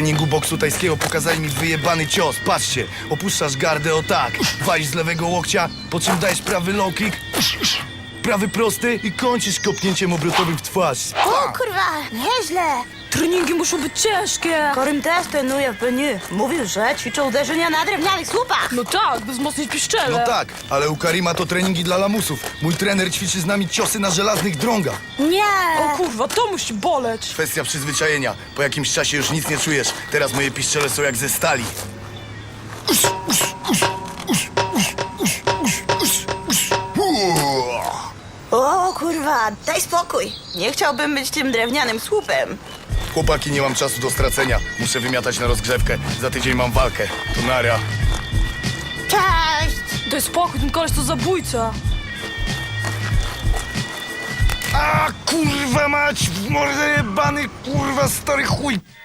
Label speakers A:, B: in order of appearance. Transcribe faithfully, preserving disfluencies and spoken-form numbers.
A: treningu boksu tajskiego pokazali mi wyjebany cios. Patrzcie, opuszczasz gardę o tak, walisz z lewego łokcia, po czym dajesz prawy low kick, prawy prosty i kończysz kopnięciem obrotowym w twarz.
B: O kurwa, nieźle.
C: Treningi muszą być ciężkie.
B: Korym też trenuje w Beniu. Mówił, że ćwiczą uderzenia na drewnianych słupach.
C: No tak, by wzmocnić piszczele.
A: No tak, ale u Karima to treningi dla lamusów. Mój trener ćwiczy z nami ciosy na żelaznych drągach.
B: Nie.
C: O kurwa, to musi boleć.
A: Kwestia przyzwyczajenia. Po jakimś czasie już nic nie czujesz. Teraz moje piszczele są jak ze stali.
B: O kurwa, daj spokój. Nie chciałbym być tym drewnianym słupem.
A: Chłopaki, nie mam czasu do stracenia. Muszę wymiatać na rozgrzewkę. Za tydzień mam walkę. To nara.
B: Cześć.
C: Daj spokój, ten koleś to zabójca.
A: A kurwa mać, w mordę jebany, kurwa stary chuj.